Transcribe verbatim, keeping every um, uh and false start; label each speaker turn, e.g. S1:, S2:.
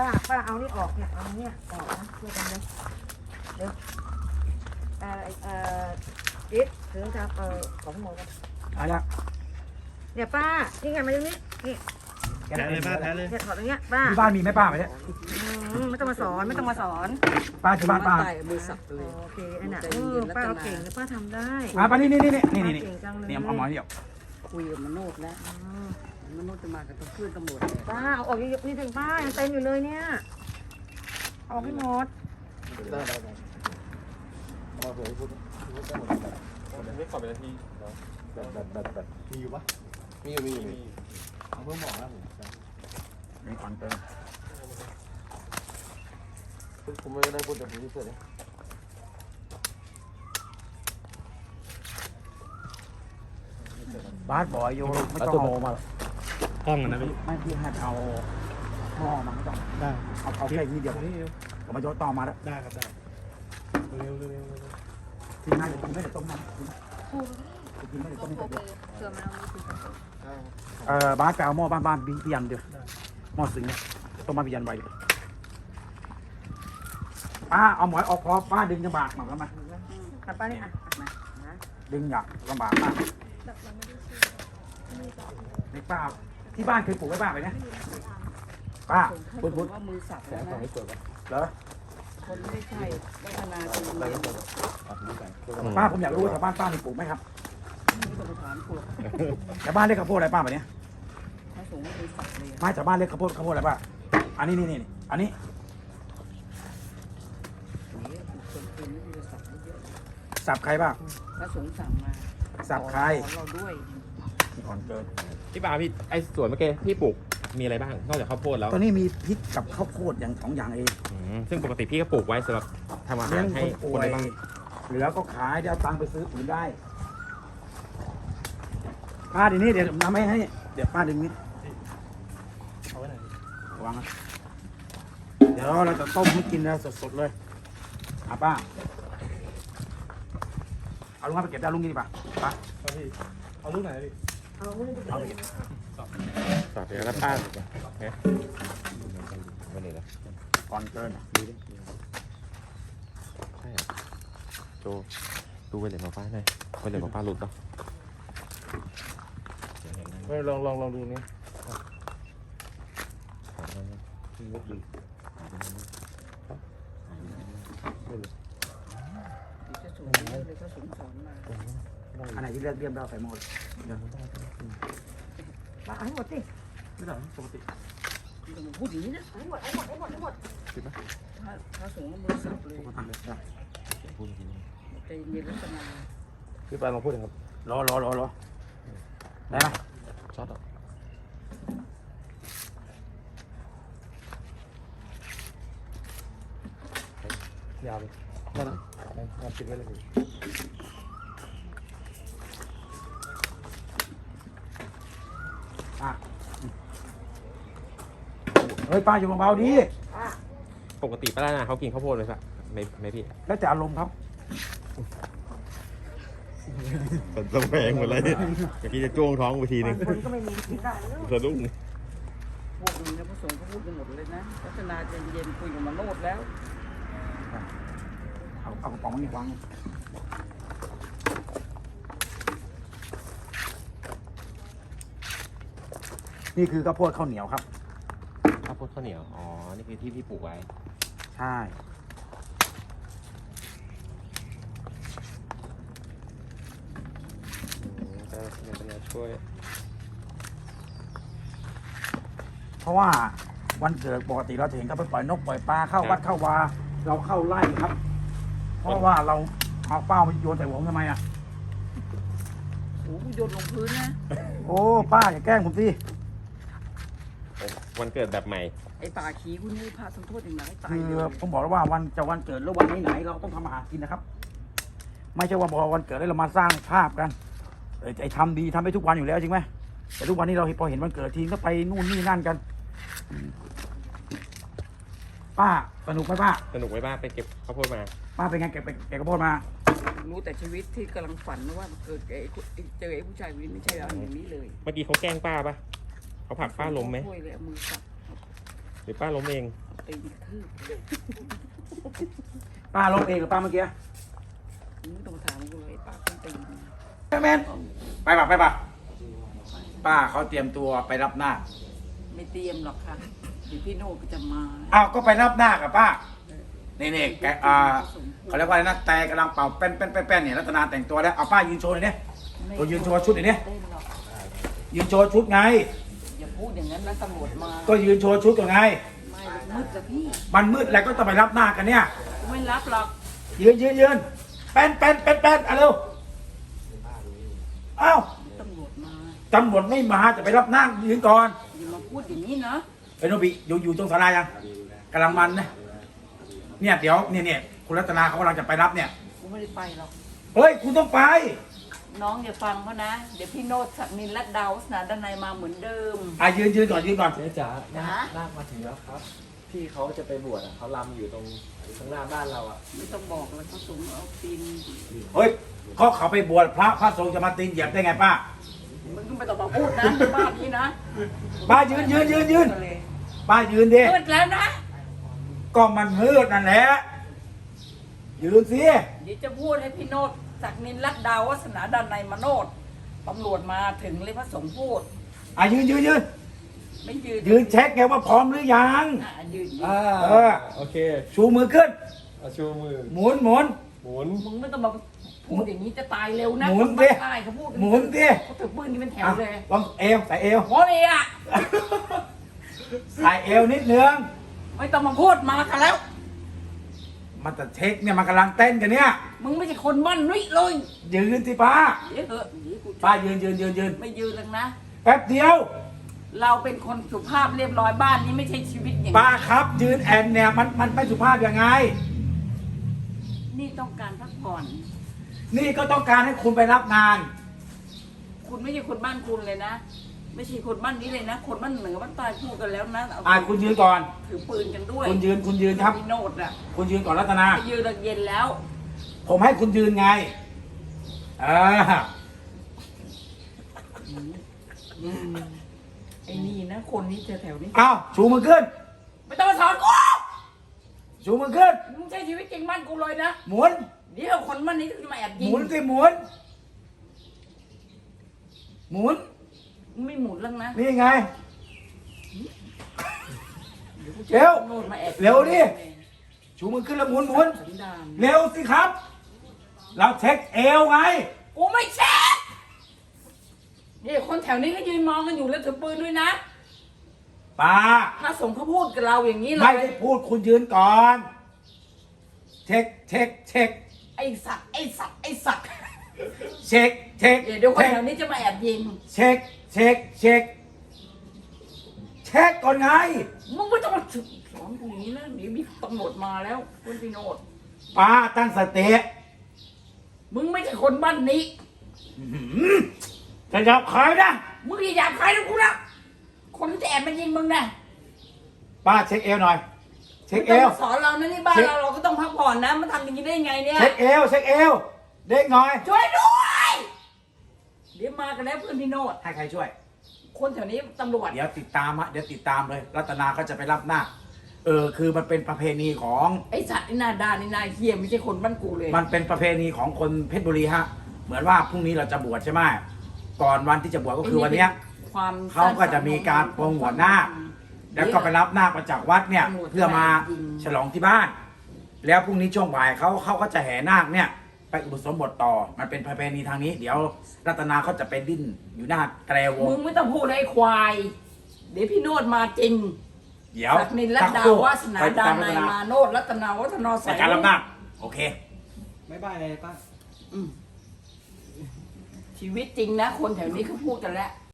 S1: ป้าป้าเอานี่ออกเนี่ยเอาเนี่ยออกนะช่วยกันเลยเดี๋ยวเอ่อเอ่อจิ๊ดถึงจะเอ่อของหมดกัน
S2: เอาละ
S1: เนี่ยป้านี่ไงมาตรงนี้นี่
S2: แกะเลยป้าแกะเลย
S1: เนี่ยถอดตรงเนี้ยป้า
S2: ที่บ้านมีไหมป้าไหมเนี่ย
S1: อืมไม่ต้องมาสอนไม่ต้องมาสอน
S2: ป้าที่บ้านป้า
S3: มือสับเลย
S1: โอเคไอ้น่ะเออป้าเอาเก่งนะป้าทำได้
S2: อ่าป้านี่นี่นี่นี่นี่นี่
S1: เก่งจังเลย
S2: นี่เอาหมอนเดียว
S3: คุยกับมโนดแล้ว
S1: อืม
S3: มโนดจะมากับตำรวจตำรวจ
S1: ป้าเอาออกเยอะๆนี่ถึงป้ายังเต็มอยู่เลยเนี่ยเอาออกให้หมด
S4: ได้ได้ได้มาเผื่อพูดพูดได้หมดแบบไม่ขอเป็นนาทีแบบแบบแบบแบบมีอยู่ปะมีอยู่มีอยู่มีเอาเพิ่มหมอกแล้วผม
S2: มีคอนเติม
S4: ผมไม่ได้พูดแต่ผมที่เสร็จเลย
S2: บาสบอยโยไม่ต้องเอามา
S5: ห้องนะพี่
S2: ไม่พี่ให้เอาหม้อมาไม่ต้อง
S5: ได้
S2: เอาเอาแค่นี้เดียวผมมาโยนต่อมาแล้ว
S5: ได้ครับได้เร็วเร็วเร็วเร็ว
S2: ทีน่าจะกินไม่ได้ต้มน้ำกินไม่ได้ต้มน้ำเออบาสไปเอาหม้อบ้านบ้านพี่ยันเดียวหม้อสิงห์ต้มมาพี่ยันไว้เลยป้าเอาหมอยออกคอป้าดึงลำบากมาแล้วมา
S1: กับป้านี่อ่ะมานะ
S2: ดึงอยากลำบากมากในป้าที่บ้านเคยปลูกไว้บ้างไหมเนี่ยป้าพูดพูด
S3: ว่ามือสับแล้วนะ
S2: เหรอ
S3: คนไม่ใช่ได้อนาคต
S2: ป้าผมอยากรู้ว่าชาวบ้านป้ามีปลูกไหมครับ
S3: นี่ก็ไปถามพวก
S2: ชาวบ้านเรียกข้าวโพดอะไรป้าแบบนี้
S3: พระสงฆ์มือสับเลย
S2: ไม่ชาวบ้านเรียกข้าวโพดข้าวโพดอะไรป้าอันนี้นี่นี่อันนี้
S3: นี่คนเป็นนี่จะสับเยอะ
S2: สับใครบ้าง
S3: พระสงฆ์สั่งมา
S2: สับใคร
S3: เราด้วย
S2: ก่อนเกิน
S5: พี่ปาพี่ไอ้สวนเมื่อกี้พี่ปลูกมีอะไรบ้างนอกจากข้าวโพดแล้ว
S2: ตอนนี้มีพริกกับข้าวโพดอย่างสองอย่างเอง
S5: อืมซึ่งปกติพี่ก็ปลูกไว้สำหรับทำอาหา
S2: เลี้ย
S5: รง ให้
S2: คนป่
S5: คน
S2: วย
S5: ในบ้าน
S2: เหลือก็ขายเดี๋ยวเอาตังค์ไปซื้ออื่นได้ป้าเดี๋ยวนี้เดี๋ยวทำให้ให้เดี๋ยวป้าดึงนิด
S5: เอาไว้ไหน
S2: วางนะเดี๋ยวเราจะต้มให้กินนะสดๆเลยอ่ะป้าเอาลุงครับไปเก็บได้ลุงกินดีป่ะป้า
S5: เอาพี่เอาลูกไหนพี่
S1: เอาไม่ได้
S2: เอาไปเก็บ
S5: สอดเดี๋ยวแล้วป้าเนี่ยวันนี้นะ
S2: ก่อนเกิน
S5: ใช่เหรอโจดูไปเลยมาป้าหน่อยไปเลยมาป้าหลุดปะ
S4: ลองลองลองดูนี่
S3: พระสงฆ์เลยพระสงฆ์สอนมา
S2: อันไหนที่เลือกเรียมเราใส่หมด
S1: ป้าเอาให้หมดสิ
S5: ไม่ได้ปกติ
S3: พูดอย่างนี้นะ
S1: เอาให้หมดเอาให้หมดเอาให้หมดให้หมด
S5: ติดไหม
S3: พระสงฆ์มือสับเลย
S5: พูดจริง
S3: ใจเย็นรัตนา
S5: พี่ปาลองพูดครับ
S2: รอรอรอรอได้ไหม
S5: ช็อตอ่ะยาวเลยได้นะยาวติดไว้เลยพี่
S2: อ่ะเฮ้ยป้าอยู่เบาๆดี
S5: ปกติป้าหน้าเขากินข้าวโพดเลยปะไม่ไม่พี่
S2: แล้วแต่อารมณ์ครับ
S5: เป็นสแวงหมดเลยเมื่อกี้จะจ้วงท้องไปทีนึง
S1: คนก็ไม่มีกินได้แล้ว
S5: สะดุ้ง
S3: พวกนี้นะพระสงฆ์เขาพูดกันหมดเลยนะรัตนาใจเย็นคุยกับมโนดแล้ว
S2: เอาเอากระป๋องนี่วางนี่คือข้าวโพดข้าวเหนียวครับ
S5: ข้าวโพดข้าวเหนียว อ๋อ นี่คือที่พี่ปลูกไว้
S2: ใช่
S5: จะจะช่วย
S2: เพราะว่าวันเกิดปกติเราจะเห็นเขาไปปล่อยนกปล่อยปลาเข้าวัดเข้าวาเราเข้าไล่ครับ เพราะว่าเราเอาเป้าไปโยนใส่หัวผมทำไมอ่ะ
S3: โอ้โหโยนลงพื้นนะ
S2: โอ้ป้าอย่าแกล้งผมสิ
S5: วันเกิดแบบใหม่
S3: ไอ้ป่าขี้คุณนี่พระทำโทษอย่างไรตาย
S2: คือ
S3: เลย
S2: ผมบอกแล้วว่าวันจะวันเกิดหรือวันไหนๆเราต้องทำอาหารกินนะครับ ไม่ใช่ว่าบอกวันเกิดแล้วเรามาสร้างภาพกันเออไอ้ทำดีทำไปทุกวันอยู่แล้วจริงไหมแต่ทุกวันนี้เราพอเห็นวันเกิดทีก็ไปนู่นนี่นั่นกัน ป้าสนุกไหมป้า
S5: สนุกไว้บ้างไปเก็บข้าวโพดมา
S2: ป้าเป็นไงเก็บไปเก็บกระโพดมา
S3: รู้แต่ชีวิตที่กำลังฝันนะว่าเกิดไอ้คนเจอไอ้ผู้ชายคนนี้ไม่ใช่อย่างนี้เลย
S5: เมื่อกี้เขาแกล้งป้าปะเขาผลักป้าล้มไหม
S3: ช่วยเลยเอามือสับ
S5: หรือป้าล้มเอง
S3: ตีนกระทืบ
S2: ป้าลงเองหรือป้าเมื่อกี้
S3: มึงไม่ต้องมาถามกูเลยปากต้นตีน
S2: แม่แมนไปป่ะไปป่ะป้าเขาเตรียมตัวไปรับหน้าค
S3: ไม่เตรียมหรอกค่ะเดี๋ยวพี่โน่ก็จะมา
S2: อ้าวก็ไปรับหน้าคกับป้านี่นี่แกอ่าเขาเรียกว่าอะไรนะแต่กำลังเป่าแป้นแป้นแป้นแป้นเนี่ยรัตนาแต่งตัวแล้วเอาป้ายืนโชว์หน่อยดิตัวยืนโชว์ชุดหน่อยดิ
S3: เต้นหรอก
S2: ยืนโชว์ชุดไง
S3: อย่าพูดอย่างนั้นนะตำรวจมา
S2: ก็ยืนโชว์ชุดก่อนไง
S3: ไม่มืดจ้ะพี่ มัน
S2: มืดแล้วก็ต้องไปรับหน้าคกันเนี่ย
S3: กูไม่รับหรอก
S2: ยืนยืนยืนแป้นแป้นแป้นแป้นเอาเร็วเอ้า
S3: ตำรวจมา
S2: ตำรวจไม่มาจะไปรับหน้าคยืนก่อน
S3: อย่ามาพูดอย่างนี้นะ
S2: ไอ้โนบิอยู่อยู่ตรงศาลายังกำลังมันนะเนี่ยเดี๋ยวเนี่ยเนี่ยคุณรัตนาเขากำลังจะไปรับเนี่ย
S3: กูไม่ได้ไปหรอก
S2: เฮ้ยคุณต้องไป
S3: น้องอย่าฟังเขานะ เดี๋ยวพี่โนดศักดินและดาวสนาด้านในมาเหมือนเดิม
S2: อ่ะยืนยืนก่อนยืนก่อน
S4: เจ๊จ๋า
S3: จ๋า
S4: นาคมาถึงแล้วครับ พี่เขาจะไปบวชอ่ะเขาลำอยู่ตรงข้างหน้าบ้านเราอ่ะ
S3: ไม่ต้องบอกแล้วเขาสูงเอาตีน
S2: เฮ้ยเขาเขาไปบวชพระพระสงฆ์จะมาตีนเหยียบได้ไงป้า
S3: มึงก็ไม่ต้องมาพูดนะในบ้านนี้นะ
S2: ป้ายืนยืนยืนยืนป้ายืนดิ
S3: มืดแล้วนะ
S2: ก็มันมืดนั่นแหละยืนสิ
S3: เดี๋ยวจะพูดให้พี่โนดศักดินและดาววัฒนาด้านในมาโนดตำรวจมาถึงเลยพระสงฆ์พูด
S2: อ่ะยืนยืนยืน
S3: ไม่ยืน
S2: ยืนเช็คไงว่าพร้อมหรือยัง
S3: อ่ะยืน
S4: อ่า
S2: เออ
S4: โอเค
S2: ชูมือขึ้น
S4: เอาชูมือ
S2: หมุนหมุน
S4: หมุน
S3: มึงไม่ต้องมาพูดอย่างนี้จะตายเร็วนะ
S2: หมุน
S3: ค
S2: ดิ
S3: บ้าตายเขาพูดกั
S2: หมุนดิ
S3: เขาถือปืนนี่เป็นแถว
S2: อ่ะ
S3: เลย
S2: ลองเอวใส่เอว
S3: โอ้ยอ่ะ
S2: ใส่เอวนิดนึง
S3: ไม่ต้องมาพูดมากันแล้ว
S2: มันจะเช็คเนี่ยมันกำลังเต้นกันเนี่ย
S3: มึงไม่ใช่คนบ้านนุ้ยเลย
S2: ยืนสิป้า
S3: เดี๋ยวเถอะเดี๋ยวกู
S2: ป้ายืนยืนยืนยืน
S3: ไม่ยืนแล้วนะ
S2: แป๊บเดียว
S3: เราเป็นคนสุภาพเรียบร้อยบ้านนี้ไม่ใช่ชีวิตอย่าง
S2: ป้า
S3: นี้
S2: ครับยืนแอนเนี่ยมันมันไม่สุภาพยังไง
S3: นี่ต้องการพักผ่อน
S2: นี่ก็ต้องการให้คุณไปรับงาน
S3: คุณไม่ใช่คนบ้านคุณเลยนะ ไม่ใช่คนบ้านนี้เลยนะ คนบ้านเหนือบ้านใต้พูดกันแล้วนะเ
S2: อ่าคุณยืนก่อน
S3: ถือปืนกันด้วย
S2: คุณยืนคุณยืนครับ
S3: พี่โนดอ่ะ
S2: คุณยืนก่อนรัตนา
S3: ไปยืนระเย็นแล้ว
S2: ผมให้คุณยืนไงเออ
S3: ไอ้นี่นะ คนนี้แถวๆนี้
S2: เอาชูมือขึ้น
S3: ไม่ต้องมาสอนกู
S2: ชูมือขึ้น
S3: มึงใช้ชีวิตจริงบ้านกูเลยนะ
S2: หมุน
S3: เดี๋ยวคนบ้านนี้จะมาแอบ
S2: ห
S3: ยิง
S2: มุนสิหมุน หมุน
S3: มึงไม่หมุนแล้วนะ
S2: นี่ไง
S3: ดี๋ยกูจะ
S2: เร็ว
S3: โนดมาแอบ
S2: เร็วดิ ชูมือขึ้นแล้วหมุนหมุน
S3: สันดาน
S2: เร็วสิครับ เราเช็คเอวไง
S3: กูไม่เช็คนี่คนแถวนี้ก็ยืนมองกันอยู่แล้วถือปืนด้วยนะ
S2: ป้า
S3: ถ้าสงฆ์เขาพูดกับเราอย่างนี้เล
S2: ไม่
S3: ย
S2: ได้พูดคุณยืนก่อน เช็คเช็คเช็ค
S3: ไอ้สัตว์ไอ้สัตว์ไอ้สัตว์
S2: เช็คเช็ค
S3: เดี๋ยวเดี๋ยวคน
S2: เช็ค
S3: แถวนี้จะมาแอบยิง
S2: เช็คเช็คเช็คเช็คก่อนไง
S3: มึงไม่ต้องมาสอนกูอย่างนี้นะเดี๋ยวมีตำรวจมาแล้วคุณพี่โนด
S2: ป้าตั้งสติ
S3: มึงไม่ใช่คนบ้านนี้
S2: อื้อหือจะจับใครนะ
S3: มึงอย่าหยาบคายนะกูนะคนที่จะแอบมายิงมึงนะ
S2: ป้าเช็คเอวหน่อย เช็คเอ
S3: ไม่ต้
S2: ว
S3: องมาสอนเรานะนี่บ้าน
S2: เช็ค
S3: เราเราก็ต้องพักผ่อนนะมันทำอย่างนี้ได้ยังไงเนี่ย
S2: เช็คเอวเช็คเอวเด็กหน่อย
S3: ช่วยด้วยเดี๋ยวมากันแล้วเพื่อนพี่โนด
S2: ให้ใครช่วย
S3: คนแถวนี้ตำรวจ
S2: เดี๋ยวติดตามฮะเดี๋ยวติดตามเลย รัตนาก็จะไปรับหน้าคเออคือมันเป็นประเพณีของ
S3: ไอ้สัตว์ไอ้หนาดานไอ้นายเฮียไม่ใช่คนบ้านกูเลย
S2: มันเป็นประเพณีของคนเพชรบุรีฮะ เหมือนว่าพรุ่งนี้เราจะบวชใช่ไหมก่อนวันที่จะบวชก็คือวันเนี้ย
S3: ความ
S2: เขาก็จะมีการโปรงหัวหน้าค แล้วก็ไปรับนาคมาจากวัดเนี่ย เพื่อมาฉลองที่บ้าน แล้วพรุ่งนี้ช่วงบ่ายเขาเขาก็จะแห่นาคเนี่ย ไปอุปสมบทต่อ มันเป็นประเพณีทางนี้ เดี๋ยวรัตนาเขาจะไปดิ้นอยู่หน้าแตรวง
S3: มึงไม่ต้องพูดเลยไอ้ควาย เดี๋ยวพี่โนดมาจริง
S2: เดี๋ยว
S3: ศักดินรัต
S2: สัก
S3: ดา
S2: ครู่
S3: วาสนา
S2: ไปติ
S3: ดา
S2: ตาม
S3: นาย
S2: รัตนา
S3: มาโนดรัตนาวัฒนา
S2: ในการรับนาคโอเค
S4: บ๊ายบายเลยป้า
S3: อืมชีวิตจริงนะ คนแถวนี้เขาพูดกันแล้ว